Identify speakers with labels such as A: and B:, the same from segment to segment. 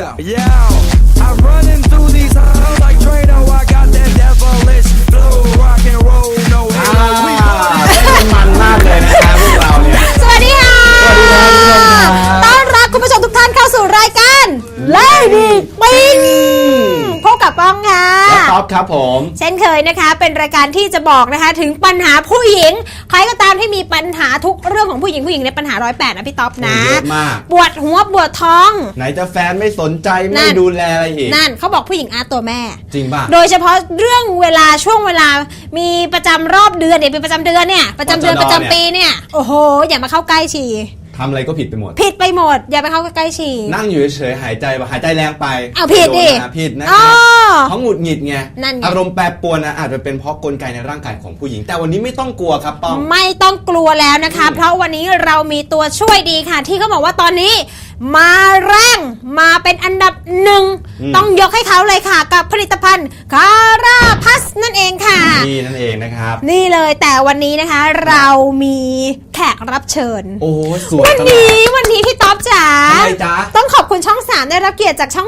A: Yeah, I'm running through these halls like Trado. I got that devilish flow, rock and roll, no halo. We
B: มันมากเลยนะครับพวกเราเนี่ย
C: สวัสดีค่ะสวัสดีครับต้อนรับคุณผู้ชมทุกท่านเข้าสู่รายการLady Pink พบกับป้องค่ะ
B: และท็อปครับผม
C: เช่นเคยนะคะเป็นรายการที่จะบอกนะคะถึงปัญหาผู้หญิงใครก็ตามที่มีปัญหาทุกเรื่องของผู้หญิงในปัญหา108นะพี่ท็อปนะ
B: เยอะมาก
C: ปวดหัวปวดท้อง
B: ไหนจะแฟนไม่สนใจไม่ดูแลอะไรอีก
C: นั่นเขาบอกผู้หญิงอาตัวแม่
B: จริงป่ะ
C: โดยเฉพาะเรื่องเวลาช่วงเวลามีประจำรอบเดือนเนี่ยเป็นประจำเดือนเนี่ยประจำเดือนประจำปีเนี่ยโอ้โหอย่ามาเข้าใกล้ฉี่
B: ทำอะไรก็ผิดไปหมด
C: อย่าไปเข้าใกล้ฉี่
B: นั่งอยู่เฉยๆหายใจแรงไป
C: เอาผิดดิ
B: ผิดนะครับเขาหงุดหงิดไงอารมณ์แปรปรวนนะอาจจะเป็นเพราะกลไกในร่างกายของผู้หญิงแต่วันนี้ไม่ต้องกลัวครับป้อง
C: ไม่ต้องกลัวแล้วนะคะเพราะวันนี้เรามีตัวช่วยดีค่ะที่เขาบอกว่าตอนนี้มาแรงมาเป็นอันดับหนึ่งต้องยกให้เขาเลยค่ะกับผลิตภัณฑ์คาราพัสนั่นเองค่ะ
B: นี่นั่นเองนะครับ
C: นี่เลยแต่วันนี้นะคะเรามีแขกรับเชิญ
B: โอ้สวย
C: วันนี้พี่ต๊อบจ๋าต้องขอบคุณช่อง3ได้รับเกียรติจากช่อง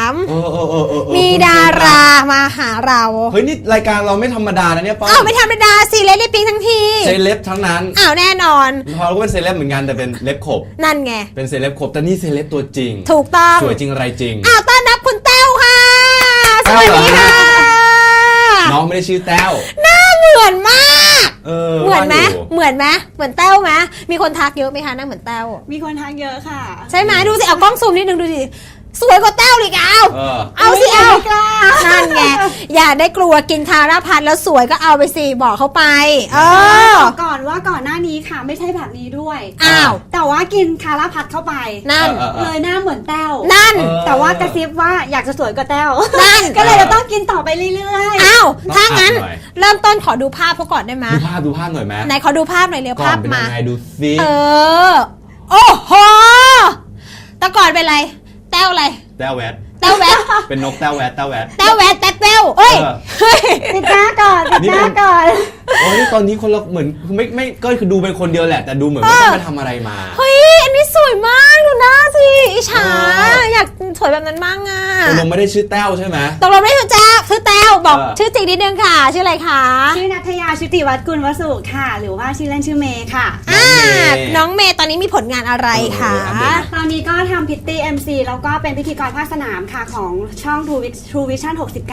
C: 3มีดารามาหาเรา
B: เฮ้ยนี่รายการเราไม่ธรรมดานะเนี่ยป้
C: าไม่ธรรมดาสิเล็บปิ๊งทั้งที
B: เซเลบทั้งนั้น
C: แน่นอน
B: พอเราก็เป็นเซเลบเหมือนกันแต่เป็นเล็บขบ
C: นั่นไง
B: เป็นเซเลบขบแต่นี่เซเลบตัวจริง
C: ถูกต้อง
B: สวยจริงอะไรจริง
C: ต้อนรับคุณแต้วค่ะสวัสดีค่ะ
B: น้องไม่ได้ชื่อแต้ว
C: หน้าเหมือนมากเหมือนไหมเหมือนแต้วไหมมีคนทักเยอะไหมคะหน้าเหมือนแต้ว
D: มีคนทักเยอะค่ะ
C: ใช่ไหมดูสิเอากล้องซูมนิดนึงดูสิสวยกว่าแต้วเลยเอาสิเอานั่นไงอย่าได้กลัวกินคาราพัดแล้วสวยก็เอาไปสิบอกเขาไป
D: ก่อนว่าก่อนหน้านี้ค่ะไม่ใช่แบบนี้ด้วย
C: อ้าว
D: แต่ว่ากินคาราพัดเข้าไป
C: นั่น
D: เลยหน้าเหมือนแต้ว
C: นั่น
D: แต่ว่ากระซิบว่าอยากจะสวยกว่าแต้ว
C: นั่น
D: ก็เลยเราต้องกินต่อไปเรื่อย
C: ๆอ้าวถ้างั้นเริ่มต้นขอดูภาพเขาก่อนได้ไหม
B: ดูภาพหน่อยไหม
C: ไหนขอดูภาพหน่อยเร็วภาพมา
B: ดูสิ
C: โอ้โหแต่ก่อนเป็นไรแต้วอะไร
B: แต้วแวดเป็นนกแต้วแวด
C: เอ้ย
D: ติดหน้าก่อน
B: โอ้ยตอนนี้คนเราเหมือนไม่ก็คือดูเป็นคนเดียวแหละแต่ดูเหมือนไม่ต้องไปทำอะไรมา
C: เฮ้ยอันนี้สวยมากดูหน้าสิอิจฉาอยากสวยแบบนั้นบ้างอ่ะ
B: ตกลงไม่ได้ชื่อแต้วใช่ไหม
C: ตกลงไม่ได้ชื่อแต้วบอกชื่อจริงนิดนึงค่ะชื่ออะไรคะ
D: ชื่อณัฐยาชุติวัฒน์กุลวสุค่ะหรือว่าชื่อเล่นชื่อเมย์ค่ะ
C: น้องเมย์ตอนนี้มีผลงานอะไรคะ
D: ตอนนี้ก็ทำพิตตี้ MC แล้วก็เป็นพิธีกรภาคสนามค่ะของช่อง True Vision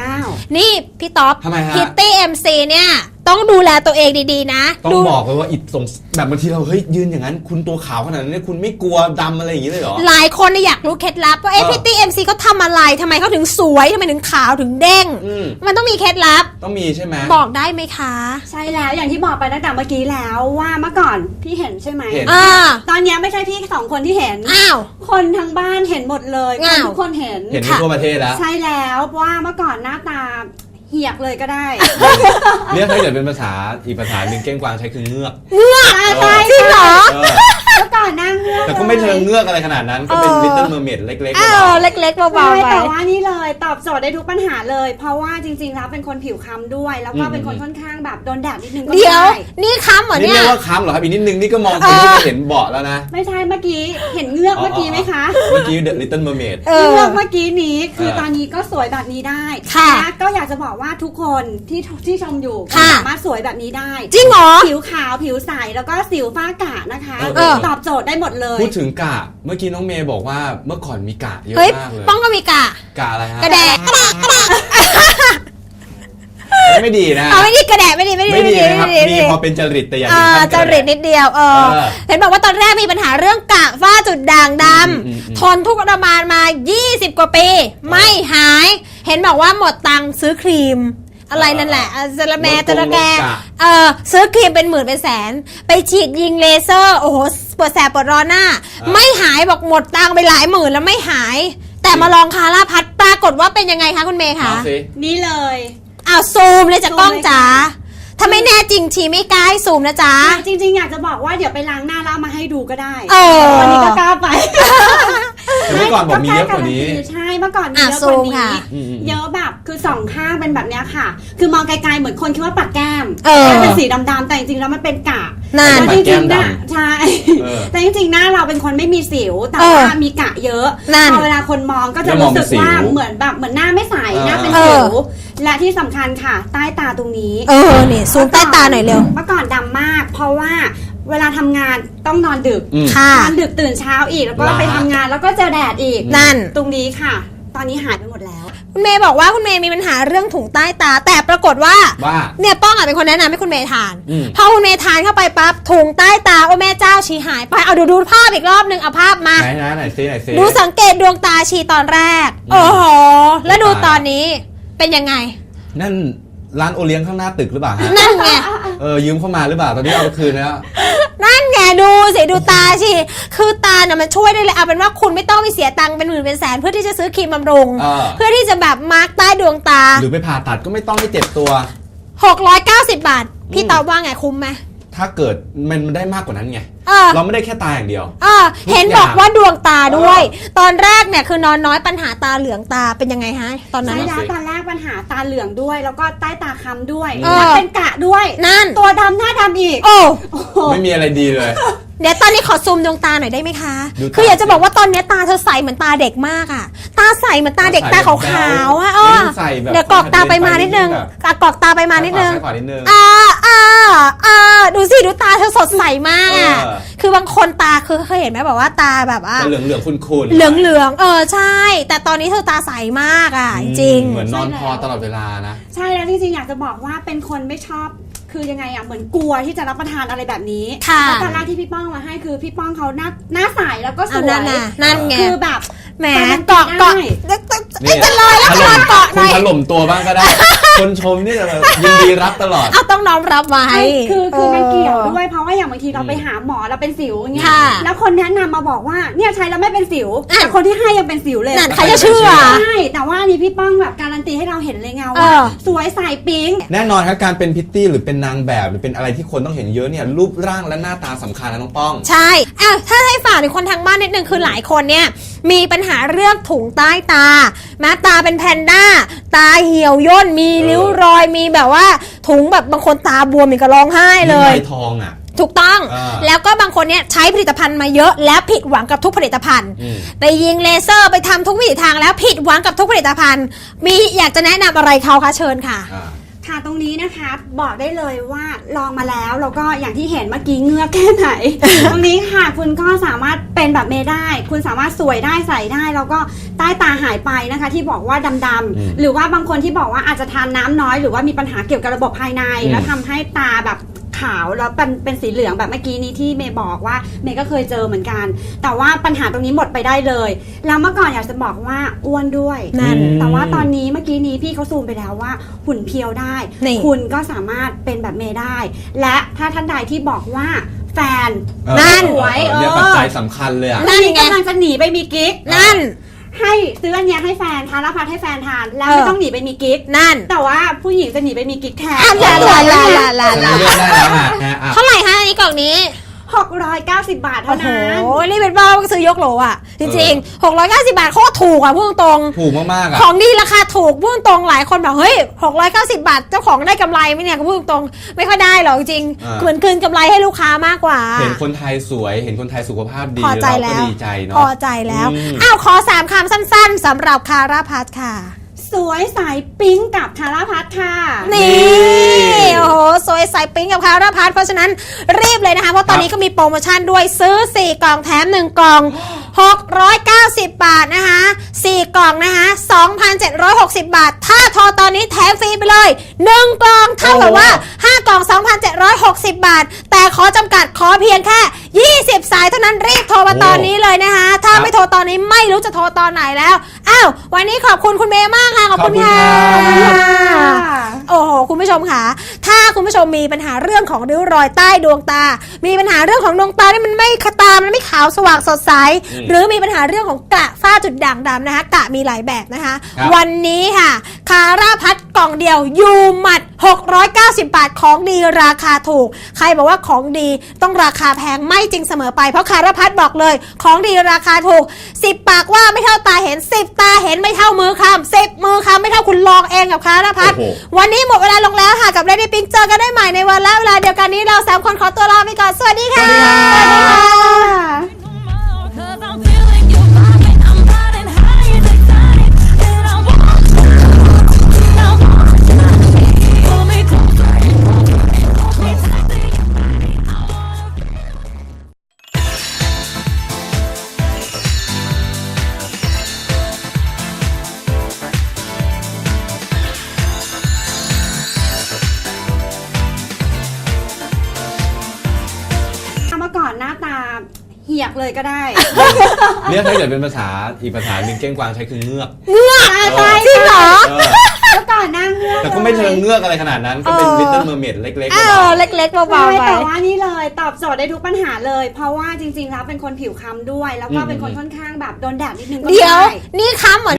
D: 69
C: นี่พี่ต๊อบพิตตี้ MC เนี่ยต้องดูแลตัวเองดีๆนะ
B: ต้องบอกเลยว่าอิดส่งแบบบางทีเราเฮ้ยยืนอย่างนั้นคุณตัวขาวขนาดนั้นคุณไม่กลัวดำอะไรอย่างนี้เลยเหรอ
C: หลายคนอยากรู้เคล็ดลับว่าพิตตี้ MC เขาทำอะไรทำไมเขาถึงสวยทำไมถึงขาวถึงเด้งมันต้องมีเคล็ดลับ
B: ต้องมีใช่ไหม
C: บอกได้ไหมคะ
D: ใช่แล้วอย่างที่บอกไปตั้งแต่เมื่อกี้แล้วว่าเมื่อก่อนพี่เห็นใช่ไหมตอนนี้ไม่ใช่พี่2คนที่เห็นคนทั้งบ้านเห็นหมดเลยทุกคนเห็น
B: ทั่วประเทศแล้ว
D: ใช่แล้วว่าเมื่อก่อนหน้าตาเหียกเลยก็ได้
B: เรียกถ้าเกิดเป็นภาษาอีกภาษาหนึ่งเก้งกวางใช้คือเงือก
C: จริงเหรอ
D: เมื่อก่อนนั่งเงือก
B: แต่ก็ไม่เชิงเงือกอะไรขนาดนั้นก็เป็น Little Mermaid เล็กๆเ
C: ล็กๆเบาๆ
D: แต่ว่านี่เลยตอบโจทย์ได้ทุกปัญหาเลยเพราะว่าจริงๆแล้วเป็นคนผิวค้ำด้วยแล้วก็เป็นคนค่อนข้างแบบโดนแดดนิดนึงก็ได้
C: เดี๋ยวนี่ค้ำเหรอเนี่ย
B: นี่เรียกว่าค้ำเหรอครับอีกนิดนึงนี่ก็มองคนที่เห็นเบาะแล้วนะ
D: ไม่ใช่เมื่อกี้เห็นเงือกเมื่อกี้ไหมคะ
B: เมื่อกี้ The Little Mermaid
D: เงือกเมื่อกี้นี้คือตอนนี้ก็สวยแบบนี้ได้นะก็อยากจะบอกว่าทุกคนที่ชมอยู่สามารถสวยแบบนี้ได้
C: จริงเหรอ
D: ผิวขาวผิวใสแล้วก็สิวฝ้ากระนะคะตอบโจทย์ได้หมดเลย
B: พูดถึงกะเมื่อกี้น้องเมย์บอกว่าเมื่อก่อนมีกะเยอะมากเลย
C: ป้องก็มีกะ
B: อะไรฮะ
C: กระแดะ
B: ไม่ดีนะ
C: ไม่ดีกระแดะไม่ดี
B: นะครับมีพอเป็นจริตแต่อย่างนี้
C: จริตนิดเดียวเห็นบอกว่าตอนแรกมีปัญหาเรื่องกะฝ้าจุดด่างดำทนทุกข์ทรมานมา20กว่าปีไม่หายเห็นบอกว่าหมดตังค์ซื้อครีมอะไรนั่นแหละจะระแกซื้อครีมเป็นหมื่นเป็นแสนไปฉีดยิงเลเซอร์โอ้โหปวดแสบปวดร้อนหน้าไม่หายบอกหมดตังค์ไปหลายหมื่นแล้วไม่หายแต่มาลองคาราพัดปรากฏว่าเป็นยังไงคะคุณเมย์คะ
D: นี่เลย
C: ซูมเลยจากกล้องจ๋าถ้าไม่แน่จริงชีไม่กล้าให้ซูมนะจ๊ะ
D: จริงๆอยากจะบอกว่าเดี๋ยวไปล้างหน้าแล้วมาให้ดูก็ได้วันนี้ก็กล้าไป
B: เมื่อก่อนบอกมีเยอะกว่านี้
D: ใช่เมื่อก่อนมีเยอะกว่านี้เยอะแบบคือ2ข้างเป็นแบบนี้ค่ะคือมองไกลๆเหมือนคนคิดว่าปากแก้มเป็นสีดำๆแต่จริงๆแล้วมันเป็นกะ
C: นั่น
B: ปัดแก้มด
D: ใช่
B: เออ
D: แต่จริงๆหน้าเราเป็นคนไม่มีสิวแต่
C: เออ
D: ว่ามีกระเยอะ
C: นั่น
D: พอเวลาคนมองก็จะรู้สึกว่าเหมือนหน้าไม่ใสหน้าเป็นสิวและที่สำคัญค่ะใต้ตาตรงนี้
C: นี่ซูมใต้ตาหน่อยเร็ว
D: เมื่อก่อนดำมาก เพราะว่าเวลาทำงานต้องนอนดึก
C: ค่ะ
D: นอนดึกตื่นเช้าอีกแล้วก็ไปทำงานแล้วก็เจอแดดอีก
C: นั่น
D: ตรงนี้ค่ะ ตอนนี้หายไปหมดแล้ว
C: คุณเมย์บอกว่าคุณเมย์มีปัญหาเรื่องถุงใต้ตา แต่ปรากฏว่า
B: ว่า
C: เนี่ยป้องเป็นคนแนะนำให้คุณเมย์ทาน
B: อืม
C: พอคุณเมย์ทานเข้าไปปั๊บถุงใต้ตาโอ้แม่เจ้าชีหายไปเอาดูภาพอีกรอบนึงเอาภาพมา
B: ไหนซิ
C: ดูสังเกตดวงตาชีตอนแรก โอ้โหแล้วดูตอนนี้เป็นยังไง
B: นั่นร้านโอเลี้ยงข้างหน้าตึกหรือเปล่าฮะ
C: นั่นไง
B: ยืมเข้ามาหรือเปล่าตอนนี้เอาไปคืนแล้ว
C: นั่นไงดูสิดูตาชีคือตาเนี่ยมันช่วยได้เลยเอาเป็นว่าคุณไม่ต้องไปเสียตังค์เป็นหมื่นเป็นแสนเพื่อที่จะซื้อครีมบำรุง เพื่อที่จะแบบมาร์กใต้ดวงตา
B: หรือไปผ่าตัดก็ไม่ต้องให้เจ็บตัว
C: 690 บาทพี่ตอบว่าไงคุ้มไหม
B: ถ้าเกิดมันได้มากกว่านั้นไง เราไม่ได้แค่ตาอย่างเดียว
C: เห็นบอกว่าดวงตาด้วย ตอนแรกเนี่ยคือนอนน้อยปัญหาตาเหลืองตาเป็นยังไงฮะตอนนั้น
D: ใช่
C: อะ
D: แล้วตอนแรกปัญหาตาเหลืองด้วย แล้วก็ใต้ตาค้ำด้วย
C: เออ
D: และเป็นกระด้วย
C: นั่น
D: ตัวดำหน้าดำอีก
C: โอ้
D: โอ้โห
B: ไม่มีอะไรดีเลย
C: เดี๋ยวตอนนี้ขอซูมดวงตาหน่อยได้ไหมคะ
B: ดูตา
C: คืออยากจะบอกว่าตอนนี้ตาเธอใสเหมือนตาเด็กมากอะตาใสเหมือนตาเด็กตาขาวๆอะ
B: ใส่แบบ
C: เดี๋ยวกรอกตาไปมานิดนึงกรอกตาไปมานิดนึง
B: ใส่ขวานิดนึง
C: ดูสิดูตาเธอสดใสมากอะ
B: เออ
C: คือบางคนตาคือเคยเห็นไหมแบบว่าตาแบบว่า
B: จะเหลืองๆคุ้นๆ
C: เหลืองใช่ แต่ตอนนี้เธอตาใสมากอะจริง
B: เหมือนนอนพอตลอดเวลานะ
D: ใช่แล้วจริงๆอยากจะบอกว่าเป็นคนไม่ชอบคือยังไงอ่ะเหมือนกลัวที่จะรับประทานอะไรแบบนี้
C: ค่ะ
D: แล้วตอนแรกที่พี่ป้องมาให้คือพี่ป้องเขาหน้าใสแล้วก็ส
C: เอา
D: วย
C: นั่นไง
D: คือแบบ
C: แหม
D: การันตี
C: เกาะ
D: ได้
C: จะลอยแล้วจะลอยเกาะห
B: คุ
C: น่
B: ณ
C: อย
B: ถล่มตัวบ้างก็ได้ คนชมนี่จะยินดีรับตลอด
C: เอาต้องน้อมรับไว้
D: ใช่คือมันเกี่ยวด้วยเพราะว่าอย่างบางทีเราไปหาหมอเราเป็นสิวอย่างเงี้ย
C: ค่ะ
D: แล้วคนแนะนำมาบอกว่าเนี่ยใช้แล้วไม่เป็นสิว
C: อ่ะ
D: แต่คนที่ให้ยังเป็นสิวเลย
C: นั่นใครจะเชื่อ
D: ใช่แต่ว่าอันนี้พี่ป้องแบบการันตีให้เราเห็นเลยไง
C: เอ
D: ว่า
C: อ
D: สวยใสปิ๊ง
B: แน่นอนครับการเป็นพิตตี้หรือเป็นนางแบบหรือเป็นอะไรที่คนต้องเห็นเยอะเนี่ยรูปร่างและหน้าตาสำคัญนะน้องป้อง
C: ใช่ถ้าให้ฝากถึงคนทางบ้านนิดนึงคือหลายคนเนี่ยมีปัญหาเรื่องถุงใต้ตาตาเป็นแพนด้าตาเหี่ยวย่นมีริ้วรอยมีแบบว่าถุงแบบบางคนตาบวมมีก็ร้องไห้เลย
B: ใบทองอ่ะ
C: ถูกต้อง
B: อ่า
C: แล้วก็บางคนเนี่ยใช้ผลิตภัณฑ์มาเยอะแล้วผิดหวังกับทุกผลิตภัณฑ์
B: อืม
C: ไปยิงเลเซอร์ไปทำทุกวิถีทางแล้วผิดหวังกับทุกผลิตภัณฑ์ มีอยากจะแนะนำอะไรเขาคะเชิญค่ะ
D: ค่ะตรงนี้นะคะบอกได้เลยว่าลองมาแล้วแล้วก็อย่างที่เห็นเมื่อกี้เงือกแค่ไหน ตรงนี้ค่ะคุณก็สามารถเป็นแบบเมย์ได้ คุณสามารถสวยได้ใส่ได้แล้วก็ใต้ตาหายไปนะคะ ที่บอกว่าดำๆหรือว่าบางคนที่บอกว่าอาจจะทานน้ำน้อยหรือว่ามีปัญหาเกี่ยวกับระบบภายใน แล้วทำให้ตาแบบขาวแล้วเป็นสีเหลืองแบบเมื่อกี้นี้ที่เมย์บอกว่าเมย์ก็เคยเจอเหมือนกัน แต่ว่าปัญหาตรงนี้หมดไปได้เลยแล้วเมื่อก่อนอยากจะบอกว่าอ้วนด้วย
C: นั่น
D: แต่ว่าตอนนี้เมื่อกี้นี้พี่เขาซูมไปแล้วว่าหุ่นเพียวได้
C: นี่
D: คุณก็สามารถเป็นแบบเมย์ได้ และถ้าท่านใดที่บอกว่าแฟน
C: นั่น
D: สวย
B: เนี่ยปัจจัยสำคัญเลยอ่ะ
C: นั่นไง
D: กำลังจะหนีไปมีกิ๊ก
C: นั่น
D: ให้ซื้ออันเนี้ยให้แฟนทานแล้วพัดให้แฟนทานแล้วไม่ต้องหนีไปมีกิ๊ก
C: นั่น
D: แต่ว่าผู้หญิงจะหนีไปมีกิ๊กแทน
C: ลา
B: ฉันเลือกได้แล้วฮะ
C: เท่าไหร่คะอันนี้กล่องนี้
D: 690 บาท
C: โอ้
D: เท่า
C: โห
D: นั้น
C: นี่เป็นบ้าก็ซื้อยกโหลอ่ะ จริงๆ 690 บาทโคตรถูกอ่ะพูดตรง
B: ถูกมากๆอ่ะ
C: ของดีราคาถูกพูดตรงหลายคนแบบเฮ้ย690 บาทเจ้าของได้กำไรไหมเนี่ยก็พูดตรงไม่ค่อยได้หรอกจริงเหมือนคืนกำไรให้ลูกค้ามากกว่า
B: เห็นคนไทยสวยเห็นคนไทยสุขภาพดี
C: พอใจ
B: เรา
C: แล้
B: ก็
C: ว
B: ดีใจเนาะ
C: พอใจแล้วอ้าวขอ3คำสั้นๆสำหรับคาราพัทค่ะ
D: สวยสายปิ๊งกับทาราพัทค่ะ
C: นี่โอ้โหสวยใสปิ๊งกับคาราพัทเพราะฉะนั้นรีบเลยนะคะเพราะตอนนี้ก็มีโปรโมชั่นด้วยซื้อ4กล่องแถม1กล่อง690 บาทนะคะ4กล่องนะคะ2,760 บาทถ้าโทรตอนนี้แถมฟรีไปเลย1กล่องเท่ากับว่า5กล่อง 2,760 บาทแต่ขอจำกัดขอเพียงแค่20สายเท่านั้นรีบโทรมาตอนนี้เลยนะคะถ้าไม่โทรตอนนี้ไม่รู้จะโทรตอนไหนแล้วอ้าววันนี้ขอบคุณคุณเมย์มากค่ะขอบคุณค่ะ โอ้โหคุณผู้ชมค่ะถ้าคุณผู้ชมมีปัญหาเรื่องของริ้วรอยใต้ดวงตา มีปัญหาเรื่องของดวงตาที่มันไม่ตามันไม่ขาวสว่างสดใสหรือมีปัญหาเรื่องของกระฝ้าจุดด่างดำนะคะกระมีหลายแบบนะคะ วันนี้ค่ะคาราพัทกล่องเดียวยูหมัด690 บาทของดีราคาถูกใครบอกว่าของดีต้องราคาแพงไม่จริงเสมอไปเพราะคารพัฒน์บอกเลยของดีราคาถูก10ปากว่าไม่เท่าตาเห็น10ตาเห็นไม่เท่ามือคำ10มือคำไม่เท่าคุณลองเองกับคารพัฒน์วันนี้หมดเวลาลงแล้วค่ะกับ Lady Pink เจอกันได้ใหม่ในวันและเวลาเดียวกันนี้เรา3คนขอตัวลาไปก่อนสวัสดีค่ะ
D: สวัสดีค่ะ
E: Cause I'm feeling your vibe and I'm riding high and excited. And I want pull me closer, hold me tight to your body. I wanna feel.
D: เมื่อก่อนหน้าตาเหียกเลยก็ได้
B: เนี่ยถ้าเกิดเป็นภาษาอีกภาษาหนึ่งเก้งกวางใช้คือเงือก
D: ใช่
C: จริงเหรอ
B: เออ
D: เมื่อก่อนหน้าเงือก
B: แต่ก็ไม่เชิงเงือกอะไรขนาดนั้นก็เป็น Little Mermaid เล็กๆ
C: เอ
B: เบา
C: อ
B: ๆ
C: เล็กๆเบา
D: ใช่
C: ๆไป
D: แต่ว่านี่เลยตอบโจทย์ได้ทุกปัญหาเลย เพราะว่าจริงๆแล้วเป็นคนผิวคล้ำด้วย แล้วก็เป็นคนค่อนข้างแบบโดนแดดนิดนึงก็
C: เดี๋ยว
D: ได้
C: นี่ค้ำเหมือน